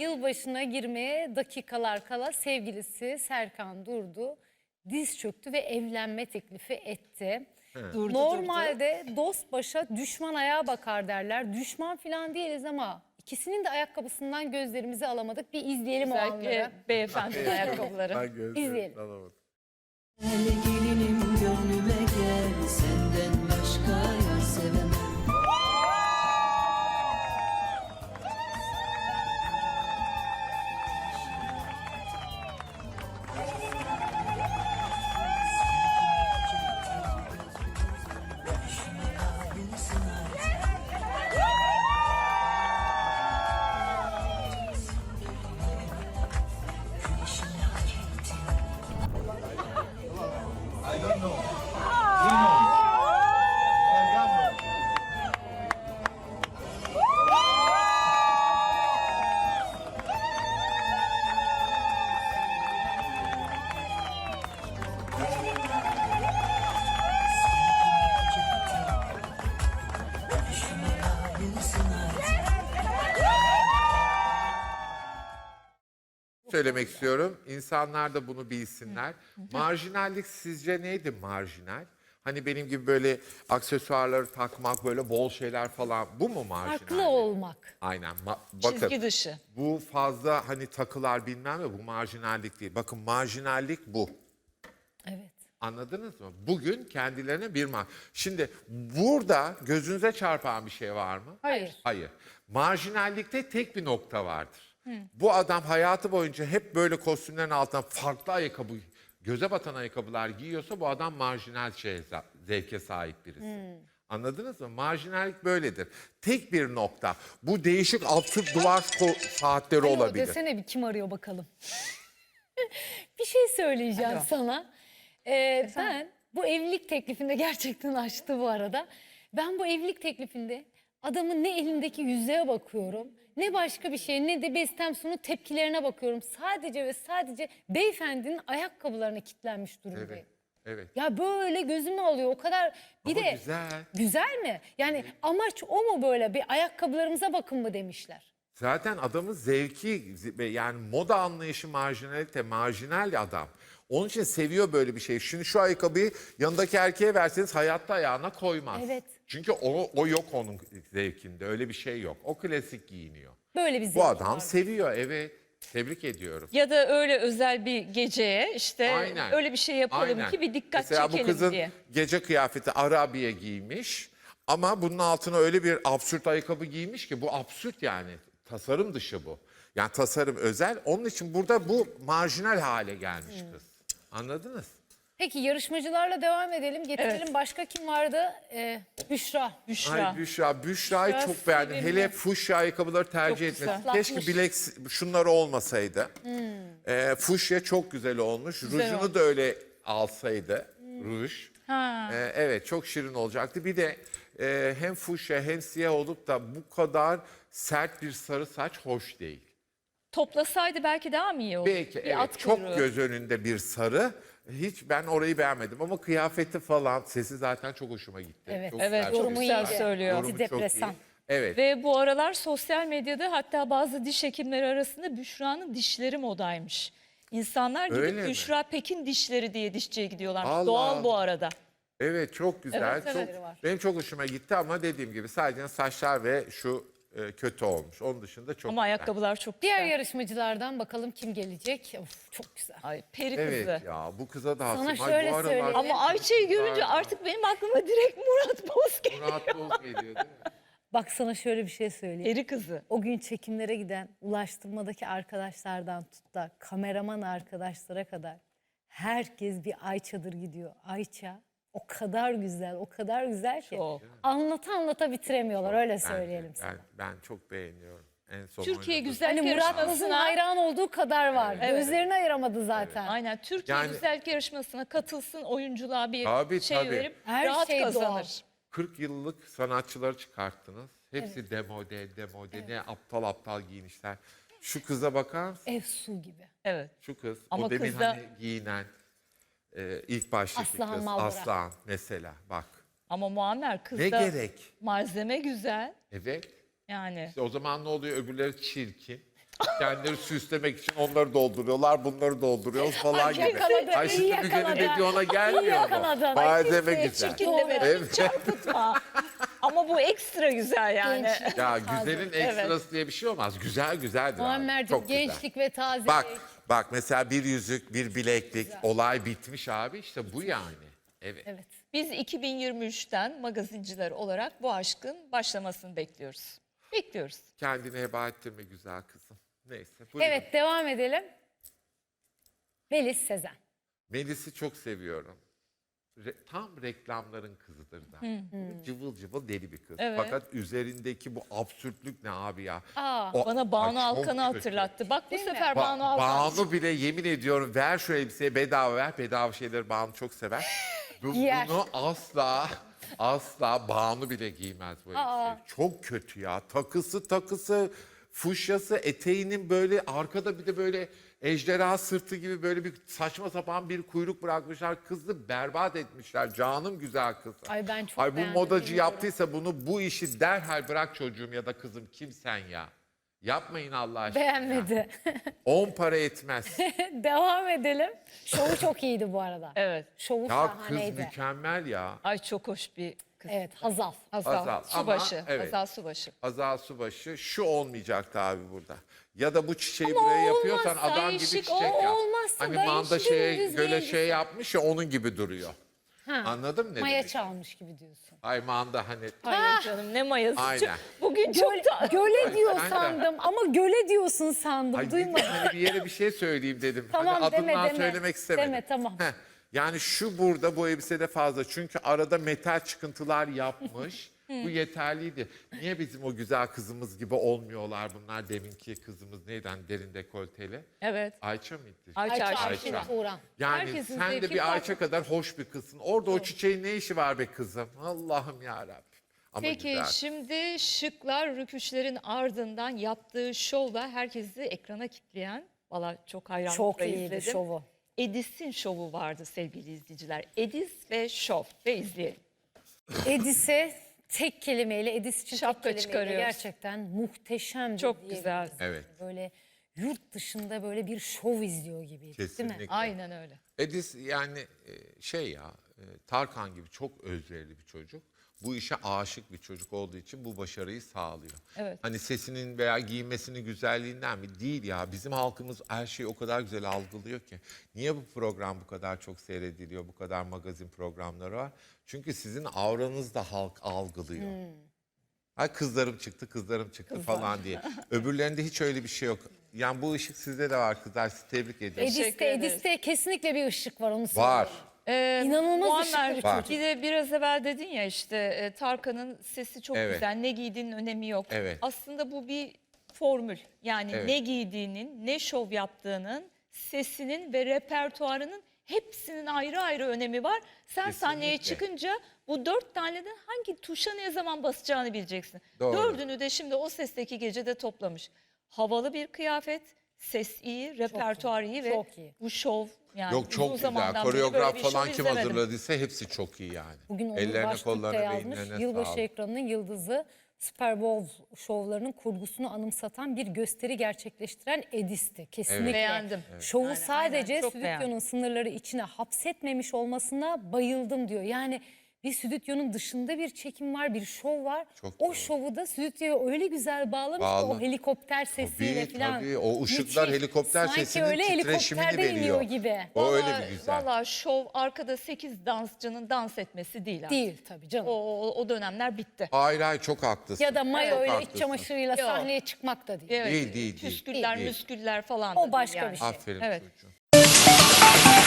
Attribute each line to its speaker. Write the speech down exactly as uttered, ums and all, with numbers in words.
Speaker 1: Yılbaşına girmeye dakikalar kala sevgilisi Serkan Durdu diz çöktü ve evlenme teklifi etti.
Speaker 2: Durdu,
Speaker 1: Normalde durdu. Dost başa düşman ayağa bakar derler. Düşman falan değiliz ama ikisinin de ayakkabısından gözlerimizi alamadık. Bir izleyelim o anları.
Speaker 2: Özellikle beyefendinin ayakkabıları.
Speaker 3: Ben gözlerim
Speaker 1: İzleyelim.
Speaker 3: alamadım.
Speaker 4: Gel gelinim gönlüme gel, senden başka yar sevemem.
Speaker 3: Söylemek istiyorum. İnsanlar da bunu bilsinler. Marjinallik sizce neydi marjinal? Hani benim gibi böyle aksesuarları takmak, böyle bol şeyler falan. Bu mu marjinal?
Speaker 1: Farklı olmak.
Speaker 3: Aynen. Ma- bakın,
Speaker 2: Çizgi dışı.
Speaker 3: bu fazla hani takılar bilmem ne, bu marjinallik değil. Bakın marjinallik bu.
Speaker 1: Evet.
Speaker 3: Anladınız mı? Bugün kendilerine bir mar... Şimdi burada gözünüze çarpan bir şey var mı?
Speaker 1: Hayır.
Speaker 3: Hayır. Marjinallikte tek bir nokta vardır. Bu adam hayatı boyunca hep böyle kostümlerin altına farklı ayakkabı, göze batan ayakkabılar giyiyorsa bu adam marjinal şeye, zevke sahip birisi. Anladınız mı? Marjinallik böyledir. Tek bir nokta. Bu değişik absürt duvar saatleri
Speaker 1: Alo,
Speaker 3: olabilir.
Speaker 1: desene bir kim arıyor bakalım. Bir şey söyleyeceğim
Speaker 2: Alo.
Speaker 1: sana. Ee, ben bu evlilik teklifinde gerçekten açtı bu arada. Ben bu evlilik teklifinde adamın ne elindeki yüzüğe bakıyorum, ne başka bir şey, ne de Bestem Su'nun tepkilerine bakıyorum. Sadece ve sadece beyefendinin ayakkabılarına kilitlenmiş durumdayım.
Speaker 3: Evet. Evet.
Speaker 1: Ya böyle gözümü alıyor o kadar. Bir
Speaker 3: Ama
Speaker 1: de
Speaker 3: güzel.
Speaker 1: güzel mi? Yani amaç o mu böyle, bir ayakkabılarımıza bakın mı demişler.
Speaker 3: Zaten adamın zevki, yani moda anlayışı marjinalite, marjinal adam. Onun için seviyor böyle bir şey. Şimdi şu ayakkabıyı yanındaki erkeğe verseniz hayatta ayağına koymaz.
Speaker 1: Evet.
Speaker 3: Çünkü o, o yok onun zevkinde, öyle bir şey yok. O klasik giyiniyor.
Speaker 1: Böyle bir zevk
Speaker 3: Bu adam
Speaker 1: var.
Speaker 3: seviyor, evet. Tebrik ediyorum.
Speaker 2: Ya da öyle özel bir geceye işte
Speaker 3: Aynen.
Speaker 2: öyle bir şey yapalım
Speaker 3: Aynen.
Speaker 2: ki bir dikkat
Speaker 3: Mesela
Speaker 2: çekelim
Speaker 3: bu kızın
Speaker 2: diye.
Speaker 3: gece kıyafeti Arabiye giymiş ama bunun altına öyle bir absürt ayakkabı giymiş ki bu absürt yani. Tasarım dışı bu. Yani tasarım özel. Onun için burada bu marjinal hale gelmiş kız. Anladınız?
Speaker 1: Peki yarışmacılarla devam edelim. Getirelim.
Speaker 2: Evet.
Speaker 1: Başka kim vardı? Ee, Büşra.
Speaker 2: Büşra.
Speaker 3: Ay Büşra, Büşra'yı
Speaker 1: Büşra
Speaker 3: çok beğendim.
Speaker 1: sevimli.
Speaker 3: Hele fuşya ayakkabıları tercih
Speaker 2: Çok güzel.
Speaker 3: etmesi. Keşke
Speaker 1: Islatmış.
Speaker 3: bilek şunları olmasaydı. Ee, fuşya çok güzel olmuş. Rujunu
Speaker 2: olmuş.
Speaker 3: da öyle alsaydı. Ruj.
Speaker 2: Ha.
Speaker 3: Ee, evet çok şirin olacaktı. Bir de e, hem fuşya hem siyah olup da bu kadar sert bir sarı saç hoş değil.
Speaker 2: Toplasaydı belki daha mı iyi olur?
Speaker 3: Belki
Speaker 2: Bir
Speaker 3: evet
Speaker 2: at
Speaker 3: çok
Speaker 2: kuyruğu.
Speaker 3: göz önünde bir sarı. Hiç ben orayı beğenmedim ama kıyafeti falan sesi zaten çok hoşuma gitti.
Speaker 1: Evet.
Speaker 3: Çok
Speaker 2: Evet,
Speaker 3: sert,
Speaker 2: çok
Speaker 1: Yorumu
Speaker 2: güzel
Speaker 1: iyiydi.
Speaker 2: söylüyor.
Speaker 3: Yorumu çok iyi.
Speaker 1: Antidepresan.
Speaker 3: Evet.
Speaker 2: Ve bu aralar sosyal medyada hatta bazı diş hekimleri arasında Büşra'nın dişleri modaymış. İnsanlar gidip
Speaker 3: Öyle mi?
Speaker 2: Büşra Pekin dişleri diye dişçiye gidiyorlar.
Speaker 3: Allah.
Speaker 2: Doğal bu arada.
Speaker 3: Evet çok güzel.
Speaker 2: Evet,
Speaker 3: çok,
Speaker 1: evet. Var.
Speaker 3: Benim çok hoşuma gitti ama dediğim gibi sadece saçlar ve şu e, kötü olmuş. Onun dışında çok
Speaker 2: Ama
Speaker 3: güzel.
Speaker 2: ayakkabılar çok
Speaker 1: Diğer
Speaker 2: güzel.
Speaker 1: yarışmacılardan bakalım kim gelecek? Of, çok güzel.
Speaker 2: Ay peri
Speaker 3: Evet
Speaker 2: kızı.
Speaker 3: ya bu kıza da
Speaker 1: Sana
Speaker 3: hasım.
Speaker 1: şöyle
Speaker 3: bu aralar
Speaker 1: söyleyeyim.
Speaker 2: Ama Ayça'yı görünce artık benim aklıma direkt Murat Boz geliyor.
Speaker 3: Murat Boz geliyor değil mi?
Speaker 1: Bak sana şöyle bir şey söyleyeyim.
Speaker 2: Peri kızı.
Speaker 1: O gün çekimlere giden ulaştırmadaki arkadaşlardan tut da kameraman arkadaşlara kadar herkes bir Ayça'dır gidiyor. Ayça o kadar güzel, o kadar güzel ki
Speaker 2: Çok.
Speaker 1: anlata anlata bitiremiyorlar öyle
Speaker 3: Bence,
Speaker 1: söyleyelim sana.
Speaker 3: Ben, ben çok beğeniyorum. En son
Speaker 2: Türkiye
Speaker 3: oynadığı-
Speaker 2: Güzellik
Speaker 1: Hani Murat Boz'un
Speaker 2: Yarışması'na
Speaker 1: hayran olduğu kadar var.
Speaker 2: Evet.
Speaker 1: Gözlerini ayıramadı zaten.
Speaker 2: aynen Türkiye
Speaker 3: Yani-
Speaker 2: Güzellik Yarışması'na katılsın, oyunculuğa bir
Speaker 3: Tabii,
Speaker 2: şey
Speaker 3: tabii.
Speaker 2: verip
Speaker 1: Her
Speaker 2: rahat
Speaker 1: şey doğal.
Speaker 2: kazanır.
Speaker 3: kırk yıllık sanatçıları çıkarttınız. Hepsi demode, demode. Ne aptal aptal giyinişler. Şu kıza bakar mısın?
Speaker 1: Efsu gibi.
Speaker 2: Evet.
Speaker 3: Şu kız.
Speaker 2: Ama
Speaker 3: o demin
Speaker 2: kız da-
Speaker 3: hani giyinen e, ilk baştaki
Speaker 1: Aslıhan
Speaker 3: kız.
Speaker 1: Malbora.
Speaker 3: Aslan mesela bak.
Speaker 2: Ama Muammer kızda
Speaker 3: Ne gerek?
Speaker 2: malzeme güzel.
Speaker 3: Evet.
Speaker 2: Yani
Speaker 3: İşte o zaman ne oluyor? Öbürleri çirkin. Kendileri süslemek için onları dolduruyorlar, bunları dolduruyoruz falan gibi.
Speaker 1: yakaladı,
Speaker 3: Ay
Speaker 1: iyi
Speaker 3: şimdi Müge'nin
Speaker 1: yakaladı.
Speaker 3: dediği ona
Speaker 1: İyi
Speaker 3: gelmiyor mu?
Speaker 1: yakaladın. Ay,
Speaker 3: Malzeme
Speaker 1: kimseye
Speaker 3: güzel.
Speaker 1: çirkin
Speaker 2: Çirkin deme,
Speaker 3: Evet.
Speaker 2: hiç çarpıtma. Ama bu ekstra güzel yani.
Speaker 1: Gençlik.
Speaker 3: Ya güzelin ekstrası diye bir şey olmaz. Güzel güzeldir abi.
Speaker 1: Muammer'cim
Speaker 3: Çok güzel.
Speaker 1: gençlik ve taze.
Speaker 3: Bak, bak mesela bir yüzük, bir bileklik, olay bitmiş abi. İşte bu yani. Evet.
Speaker 1: Evet.
Speaker 2: Biz iki bin yirmi üçten magazinciler olarak bu aşkın başlamasını bekliyoruz. Bekliyoruz.
Speaker 3: Kendini heba ettirme güzel kızım. Neyse. Buyurun.
Speaker 1: Evet devam edelim. Melis Sezen.
Speaker 3: Melis'i çok seviyorum. Re- tam reklamların kızıdır da. Cıvıl cıvıl deli bir kız.
Speaker 2: Evet.
Speaker 3: Fakat üzerindeki bu absürtlük ne abi ya?
Speaker 1: Aa,
Speaker 3: O-
Speaker 2: Bana Banu
Speaker 3: Ay, çok
Speaker 2: Alkan'ı
Speaker 3: kötü.
Speaker 2: hatırlattı. Bak bu
Speaker 1: Değil mi?
Speaker 2: sefer
Speaker 3: Ba-
Speaker 2: Banu Alkan.
Speaker 3: Banu bile yemin ediyorum ver şu elbiseyi bedava ver. Bedava şeyleri Banu çok sever. Bu,
Speaker 1: Giyer.
Speaker 3: bunu asla asla Banu bile giymez bu elbiseyi. Çok kötü ya. Takısı takısı fuşyası eteğinin böyle arkada bir de böyle ejderha sırtı gibi böyle bir saçma sapan bir kuyruk bırakmışlar. Kızı berbat etmişler. Canım güzel kız.
Speaker 1: Ay ben çok
Speaker 3: Ay bu
Speaker 1: beğendim,
Speaker 3: modacı
Speaker 1: bilmiyorum.
Speaker 3: yaptıysa bunu bu işi derhal bırak çocuğum ya da kızım kimsen ya. Yapmayın Allah aşkına.
Speaker 1: beğenmedi.
Speaker 3: On para etmez.
Speaker 1: devam edelim. Şovu çok iyiydi bu arada.
Speaker 2: Evet.
Speaker 1: Şovu
Speaker 3: Ya kız
Speaker 1: şahaneydi.
Speaker 3: mükemmel ya.
Speaker 2: Ay çok hoş bir kız.
Speaker 1: Evet Hazal.
Speaker 2: Hazal,
Speaker 3: Hazal. Ama
Speaker 2: Subaşı.
Speaker 3: evet.
Speaker 2: Hazal Subaşı.
Speaker 3: Azal Subaşı şu olmayacaktı abi burada. Ya da bu çiçeği
Speaker 1: Ama
Speaker 3: buraya
Speaker 1: o
Speaker 3: yapıyorsan
Speaker 1: olmazsa
Speaker 3: adam gibi
Speaker 2: değişik,
Speaker 3: çiçek
Speaker 2: o
Speaker 3: yap.
Speaker 1: olmazsa
Speaker 3: Hani
Speaker 1: da
Speaker 3: manda
Speaker 1: yeşil
Speaker 3: şeye
Speaker 1: dümdüz
Speaker 3: göle
Speaker 1: bir
Speaker 3: şey yapmış ya onun gibi duruyor.
Speaker 1: Ha.
Speaker 3: Anladın mı ne
Speaker 1: Maya
Speaker 3: demek?
Speaker 1: çalmış gibi diyorsun.
Speaker 3: Ay manda hani
Speaker 2: Hayır canım ne mayası.
Speaker 3: Aynen.
Speaker 2: Bugün çok
Speaker 1: Göle,
Speaker 2: da...
Speaker 1: göle diyor
Speaker 3: Aynen.
Speaker 1: sandım ama göle diyorsun sandım.
Speaker 3: Ay
Speaker 1: Duymadım.
Speaker 3: dedim hani bir yere bir şey söyleyeyim dedim.
Speaker 1: Tamam,
Speaker 3: hani
Speaker 1: deme,
Speaker 3: adından
Speaker 1: deme.
Speaker 3: söylemek istemedim.
Speaker 1: Deme, tamam.
Speaker 3: Heh, yani şu burada bu elbisede fazla. Çünkü arada metal çıkıntılar yapmış. Bu yeterliydi. Niye bizim o güzel kızımız gibi olmuyorlar bunlar? Deminki kızımız neyden derin dekolteli?
Speaker 2: Evet.
Speaker 3: Ayça mıydı?
Speaker 2: Ayça,
Speaker 1: Ayça
Speaker 2: Ayça.
Speaker 1: Ayşin Turan.
Speaker 3: Yani
Speaker 2: Herkesin
Speaker 3: sen de
Speaker 2: zevki
Speaker 3: bir
Speaker 2: farklı.
Speaker 3: Ayça kadar hoş bir kızsın. Orada o çiçeğin ne işi var be kızım? Allah'ım yarabbim. Ama
Speaker 2: Peki
Speaker 3: güzel.
Speaker 2: şimdi şıklar rüküşlerin ardından yaptığı şovla herkesi ekrana kitleyen, valla çok hayranlıkla
Speaker 1: Çok iyiydi
Speaker 2: izledim.
Speaker 1: şovu.
Speaker 2: Edis'in şovu vardı sevgili izleyiciler. Edis ve şov ve izleyelim.
Speaker 1: Edis'e tek kelimeyle, Edis için
Speaker 2: Şapka
Speaker 1: tek kelimeyle
Speaker 2: çıkarıyoruz.
Speaker 1: gerçekten muhteşemdi.
Speaker 2: Çok
Speaker 1: diyebiliriz.
Speaker 2: güzel.
Speaker 3: Evet.
Speaker 1: Böyle yurt dışında böyle bir şov izliyor gibiydi değil
Speaker 3: Kesinlikle.
Speaker 1: mi?
Speaker 2: Aynen öyle.
Speaker 3: Edis yani e, şey ya e, Tarkan gibi çok özverili bir çocuk. Bu işe aşık bir çocuk olduğu için bu başarıyı sağlıyor.
Speaker 2: Evet.
Speaker 3: Hani sesinin veya giyinmesinin güzelliğinden mi? Değil ya. Bizim halkımız her şeyi o kadar güzel algılıyor ki. Niye bu program bu kadar çok seyrediliyor? Bu kadar magazin programları var. Çünkü sizin avranız da halk algılıyor. Ha kızlarım çıktı, kızlarım çıktı falan diye. Öbürlerinde hiç öyle bir şey yok. Yani bu ışık sizde de var kızlar. Sizi tebrik ediyorum.
Speaker 2: Teşekkür
Speaker 1: Edis'te,
Speaker 2: ederiz.
Speaker 1: Edis'te kesinlikle bir ışık var onu
Speaker 3: Var.
Speaker 1: söyleyeyim.
Speaker 2: Ee,
Speaker 1: İnanılmaz
Speaker 2: Muammer,
Speaker 1: ışıklı bir
Speaker 3: çocuk.
Speaker 2: Bir de biraz evvel dedin ya işte e, Tarkan'ın sesi çok
Speaker 3: Evet.
Speaker 2: güzel. Ne giydiğinin önemi yok.
Speaker 3: Evet.
Speaker 2: Aslında bu bir formül. Yani
Speaker 3: Evet.
Speaker 2: ne giydiğinin, ne şov yaptığının, sesinin ve repertuarının hepsinin ayrı ayrı önemi var. Sen sahneye
Speaker 3: Kesinlikle.
Speaker 2: çıkınca bu dört taneden hangi tuşa ne zaman basacağını bileceksin.
Speaker 3: Doğru.
Speaker 2: Dördünü de şimdi o sesteki gecede toplamış. Havalı bir kıyafet, ses iyi, repertuar iyi ve
Speaker 1: çok iyi.
Speaker 2: bu şov yani
Speaker 3: Yok
Speaker 2: uzun
Speaker 3: çok güzel.
Speaker 2: zamandan beri
Speaker 3: Koreograf
Speaker 2: böyle bir
Speaker 3: falan
Speaker 2: şov
Speaker 3: kim
Speaker 2: izlemedim.
Speaker 3: hazırladıysa hepsi çok iyi yani.
Speaker 1: Bugün Onur
Speaker 3: Ellerine
Speaker 1: Baştürk de
Speaker 3: kollarına
Speaker 1: yazmış.
Speaker 3: beyinlerine
Speaker 1: Yılbaşı
Speaker 3: sağlık.
Speaker 1: ekranının yıldızı Super Bowl şovlarının kurgusunu anımsatan bir gösteri gerçekleştiren Edis'ti. Kesinlikle.
Speaker 2: Beğendim.
Speaker 1: Şovu
Speaker 2: Aynen,
Speaker 1: sadece
Speaker 2: aynen. Çok
Speaker 1: stüdyonun
Speaker 2: beğendim.
Speaker 1: sınırları içine hapsetmemiş olmasına bayıldım diyor. Yani bir stüdyonun dışında bir çekim var, bir şov var.
Speaker 3: Çok
Speaker 1: o
Speaker 3: doğru.
Speaker 1: şovu da stüdyoya öyle güzel bağlamış ki
Speaker 3: Bağlı.
Speaker 1: o helikopter sesiyle
Speaker 3: Tabii,
Speaker 1: falan.
Speaker 3: tabii. O ışıklar,
Speaker 1: Müthiş.
Speaker 3: helikopter
Speaker 1: Sanki
Speaker 3: sesinin
Speaker 1: öyle
Speaker 3: titreşimini
Speaker 1: helikopterde
Speaker 3: veriyor.
Speaker 1: iniyor gibi.
Speaker 3: O öyle
Speaker 2: Vallahi-
Speaker 3: bir güzel.
Speaker 2: Vallahi şov arkada sekiz dansçının dans etmesi değil. artık.
Speaker 1: Değil tabii canım.
Speaker 2: O, o, o dönemler bitti.
Speaker 3: Hayır hayır çok haklısın.
Speaker 1: Ya da mayo
Speaker 3: Çok
Speaker 1: ile iç
Speaker 3: haklısın.
Speaker 1: çamaşırıyla
Speaker 2: Yok.
Speaker 1: sahneye çıkmak da değil.
Speaker 2: Evet,
Speaker 3: Değil, değil, değil.
Speaker 2: Püsküller,
Speaker 3: Değil.
Speaker 2: müsküller falan.
Speaker 1: O
Speaker 2: da değil
Speaker 1: başka
Speaker 2: yani.
Speaker 1: bir şey.
Speaker 3: Aferin
Speaker 2: Evet.
Speaker 3: çocuğum.